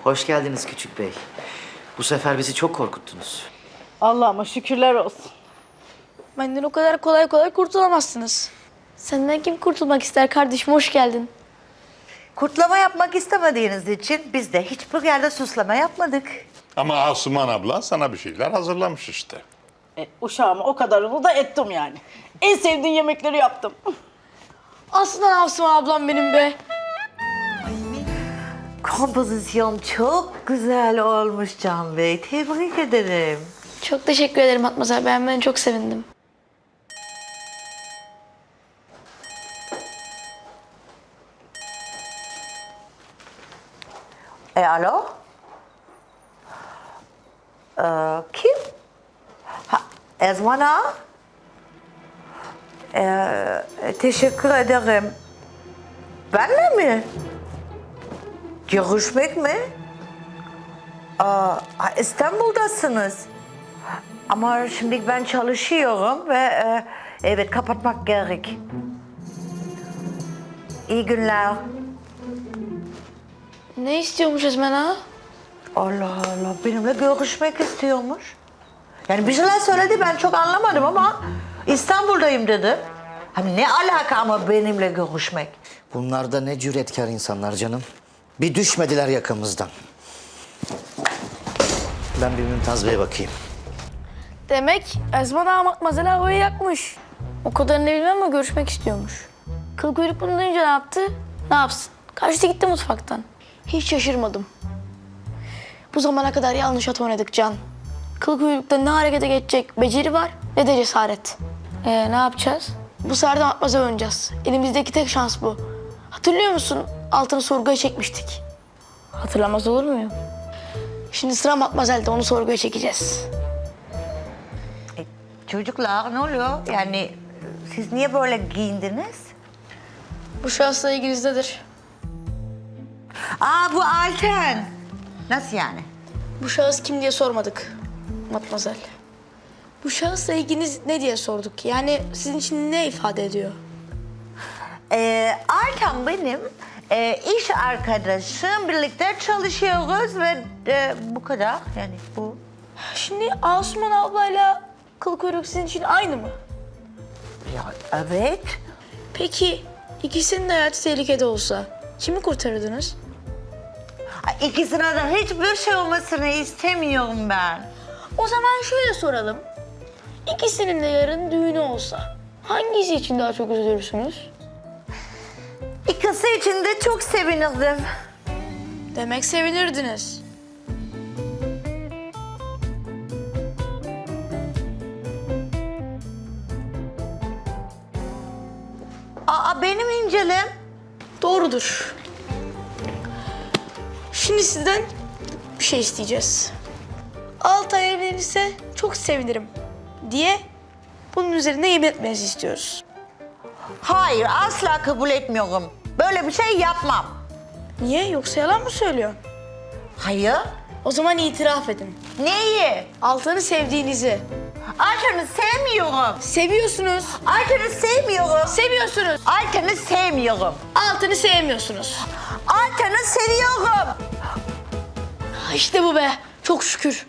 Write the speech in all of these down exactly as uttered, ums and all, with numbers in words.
Hoş geldiniz küçük bey. Bu sefer bizi çok korkuttunuz. Allah'ıma şükürler olsun. Benden o kadar kolay kolay kurtulamazsınız. Senden kim kurtulmak ister kardeşim? Hoş geldin. Kurtlama yapmak istemediğiniz için biz de hiçbir yerde suslama yapmadık. Ama Asuman abla sana bir şeyler hazırlamış işte. E, uşağıma o kadarını da ettim yani. En sevdiğin yemekleri yaptım. Aslında Asuman ablam benim be. Kompozisyon çok güzel olmuş Can Bey. Tebrik ederim. Çok teşekkür ederim Matmazel. Beğenmeni çok sevindim. E alo? Ee, kim? Ha, Ezman Ağa? Ee, teşekkür ederim. Benle mi? Görüşmek mi? Aa, İstanbul'dasınız. Ama şimdi ben çalışıyorum ve e, evet kapatmak gerek. İyi günler. Ne istiyormuş Ezmen ağa? Allah Allah, benimle görüşmek istiyormuş. Yani bir şeyler söyledi, ben çok anlamadım ama İstanbul'dayım dedi. Hani ne alaka ama benimle görüşmek? Bunlar da ne cüretkar insanlar canım. Bir düşmediler yakamızdan. Ben bir Mümtaz Bey'e bakayım. Demek Ezmen ağa Matmazel havayı yakmış. O kadarını bilmem ama görüşmek istiyormuş. Kıl kuyruk bunu duyunca ne yaptı? Ne yapsın? Kaçtı gitti mutfaktan. Hiç şaşırmadım. Bu zamana kadar yanlış at oynadık Can. Kıl kuyrukta ne harekete geçecek beceri var ne de cesaret. Ee, ne yapacağız? Bu sefer de Matmazel oynayacağız. Elimizdeki tek şans bu. Hatırlıyor musun? Altını sorguya çekmiştik. Hatırlamaz olur muyum? Şimdi sıra Matmazel'de, onu sorguya çekeceğiz. E, çocuklar ne oluyor? Yani siz niye böyle giyindiniz? Bu şahısla ilginizdedir. Aa bu Alten. Nasıl yani? Bu şahıs kim diye sormadık Matmazel. Bu şahısla ilginiz ne diye sorduk. Yani sizin için ne ifade ediyor? Ee, Alten benim e, iş arkadaşım. Birlikte çalışıyoruz ve e, bu kadar. Yani bu. Şimdi Asuman ablayla kıl kuyruk sizin için aynı mı? Ya evet. Peki ikisinin de hayatı tehlikede olsa kimi kurtarırdınız? İkisine de hiçbir şey olmasını istemiyorum ben. O zaman şöyle soralım. İkisinin de yarın düğünü olsa hangisi için daha çok üzülürsünüz? İkisi için de çok sevinirdim. Demek sevinirdiniz. Aa benim incelim. Doğrudur. Şimdi sizden bir şey isteyeceğiz. Altay evlenirse çok sevinirim diye bunun üzerine yemin etmenizi istiyoruz. Hayır asla kabul etmiyorum. Böyle bir şey yapmam. Niye? Yoksa yalan mı söylüyorsun? Hayır. O zaman itiraf edin. Neyi? Altan'ı sevdiğinizi. Ayten'i sevmiyorum. Seviyorsunuz. Ayten'i sevmiyorum. Seviyorsunuz. Ayten'i sevmiyorum. Altan'ı sevmiyorsunuz. Ayten'i seviyorum. İşte bu be. Çok şükür.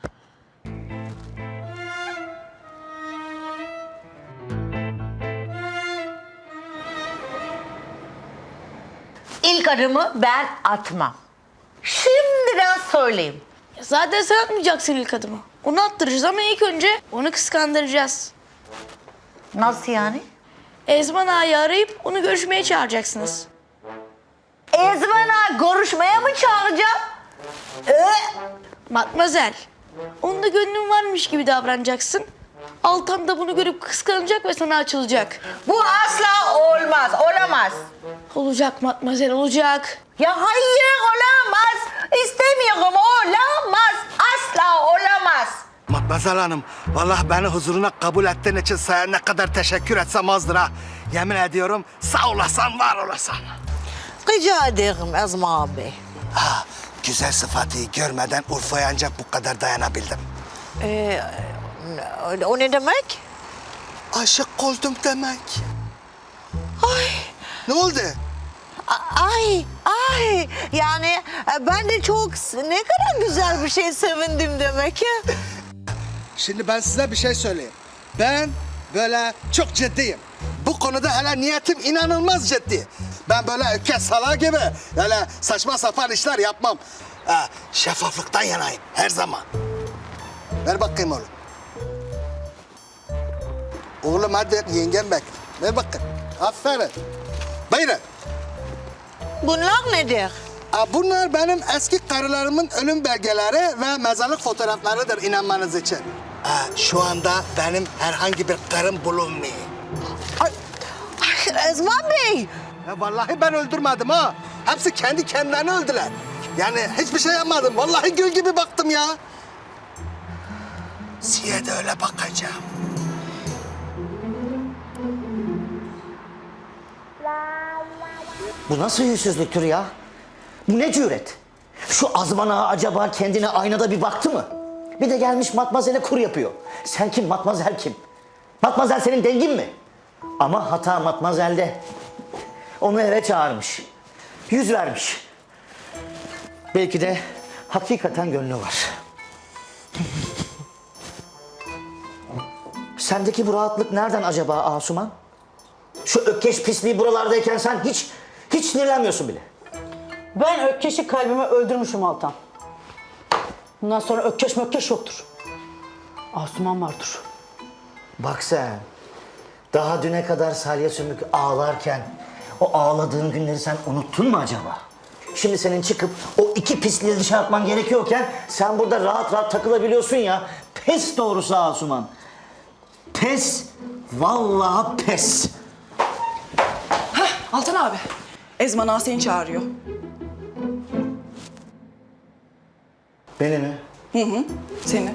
İlk adımı ben atmam. Şimdiden söyleyeyim. Ya zaten sen atmayacaksın ilk adımı. Onu attıracağız ama ilk önce onu kıskandıracağız. Nasıl yani? Ezman ağayı arayıp onu görüşmeye çağıracaksınız. Ezmen Ağa görüşmeye mi çağıracağım? Ee, Matmazel, onun da gönlün varmış gibi davranacaksın. Altan da bunu görüp kıskanacak ve sana açılacak. bu asla olmaz, olamaz. Olacak Matmazel, olacak. Ya hayır olamaz. İstemiyorum, olamaz. Asla olamaz. Matmazel Hanım, vallahi beni huzuruna kabul ettiğin için sana ne kadar teşekkür etsem azdır ha. Yemin ediyorum sağ olasan, var olasan. Rica ederim Ezma abi. Ha, güzel sıfatı görmeden Urfa'ya ancak bu kadar dayanabildim. Ee, o ne demek? Aşık oldum demek. Ay, Ne oldu? ay, ay. Yani E, Ben de çok ne kadar güzel bir şey sevindim demek ya. Şimdi ben size bir şey söyleyeyim. Ben böyle çok ciddiyim. Bu konuda hele niyetim inanılmaz ciddi. Ben böyle öküz salağı gibi öyle saçma sapan işler yapmam. Ha, şeffaflıktan yanayım her zaman. Ver bakayım oğlum. Oğlum hadi yengem bekle. Ver bakayım. Aferin. Buyurun. Bunlar nedir? Ha, bunlar benim eski karılarımın ölüm belgeleri ve mezarlık fotoğraflarıdır inanmanız için. Ha, şu anda benim herhangi bir karım bulunmuyor. Ay, ay, Ezman Bey. Ya vallahi ben öldürmedim ha. Hepsi kendi kendilerini öldüler. Yani hiçbir şey yapmadım. Vallahi gül gibi baktım ya. Size de öyle bakacağım. Bu nasıl yüzsüzlüktür ya? Bu ne cüret? Şu Azman ağa acaba kendine aynada bir baktı mı? Bir de gelmiş matmazele kur yapıyor. Sen kim, matmazel kim? Matmazel senin dengin mi? Ama hata matmazelde. Onu eve çağırmış. Yüz vermiş. Belki de hakikaten gönlü var. Sendeki bu rahatlık nereden acaba Asuman? Şu ökkeş pisliği buralardayken sen hiç, hiç sinirlenmiyorsun bile. Ben Ökkeş'i kalbime öldürmüşüm Altan. Bundan sonra Ökkeş mökkeş yoktur. Asuman vardır. Bak sen, daha düne kadar salya sümük ağlarken o ağladığın günleri sen unuttun mu acaba? Şimdi senin çıkıp o iki pisliği dışarı atman gerekiyorken sen burada rahat rahat takılabiliyorsun ya. Pes doğrusu Asuman. Pes, vallahi pes. Altan abi, Ezman ağa seni çağırıyor. Beni mi? Hı hı, seni.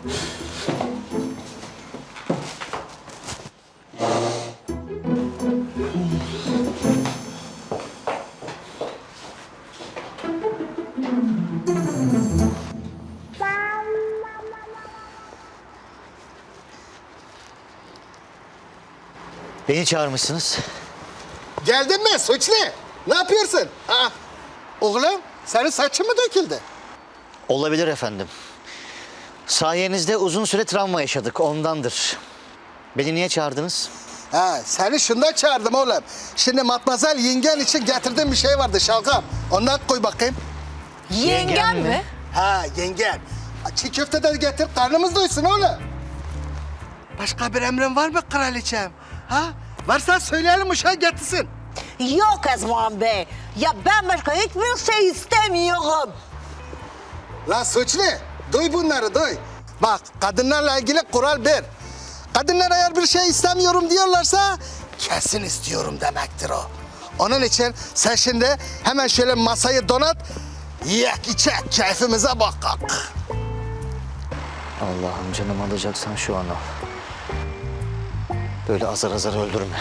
Beni çağırmışsınız. Geldin mi suçlu? Ne yapıyorsun? Ha? Oğlum senin saçın mı döküldü? Olabilir efendim. Sayenizde uzun süre travma yaşadık, ondandır. Beni niye çağırdınız? Ha, seni şundan çağırdım oğlum. Şimdi matmazel yengen için getirdiğim bir şey vardı şalgam. Ondan koy bakayım. Yengem mi? Ha yengen. Çiğ köfte de getir karnımız doysun oğlum. Başka bir emrin var mı kraliçem? Ha? Varsa söyleyelim uşağı getirsin. Yok Ezman Bey. Ya ben başka hiçbir şey istemiyorum. La suçlu, duy bunları duy. Bak kadınlarla ilgili kural bir. Kadınlar eğer bir şey istemiyorum diyorlarsa kesin istiyorum demektir o. Onun için sen şimdi hemen şöyle masayı donat, yiyek içek keyfimize bakak. Allah'ım canım alacaksan şu an al. Böyle azar azar öldürme.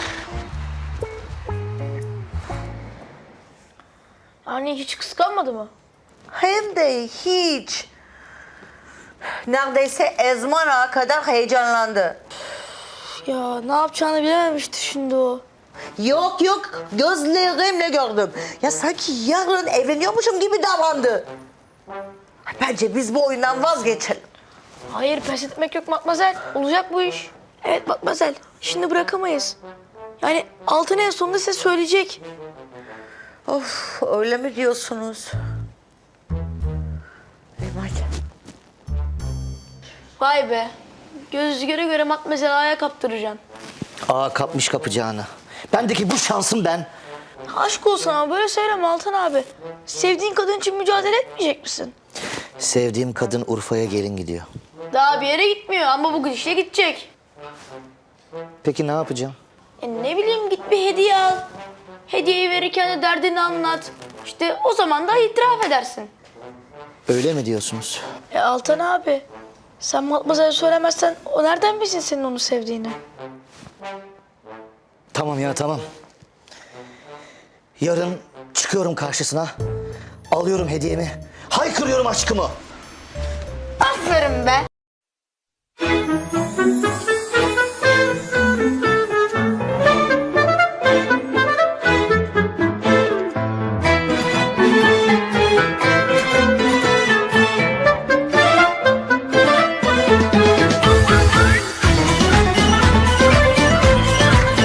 Anne hiç kıskanmadı mı? Hem de hiç. Neredeyse Ezman Ağa kadar heyecanlandı. Ya ne yapacağını bilememişti şimdi o. Yok yok gözlerimle gördüm. Ya sanki yarın evleniyormuşum gibi davrandı. Bence biz bu oyundan vazgeçelim. Hayır pes etmek yok Matmazel. Olacak bu iş. Evet Matmazel. Şimdi bırakamayız. Yani Altın en sonunda size söyleyecek. Of öyle mi diyorsunuz? Eyvah. Vay be. Göz göre göre Matmazel'i ayağa kaptıracaksın. Aa kapmış kapacağını. Bendeki bu şansım ben. Aşk olsun ama böyle söyleme Altan abi. Sevdiğin kadın için mücadele etmeyecek misin? Sevdiğim kadın Urfa'ya gelin gidiyor. Daha bir yere gitmiyor ama bu gidişle gidecek. Peki ne yapacağım? E ne bileyim git bir hediye al. Hediyeyi verirken de derdini anlat. İşte o zaman da itiraf edersin. Öyle mi diyorsunuz? E Altan abi, sen Matmazel'e söylemezsen o nereden bilsin senin onu sevdiğini? Tamam ya tamam. Yarın çıkıyorum karşısına. Alıyorum hediyemi. Haykırıyorum aşkımı. Aferin be.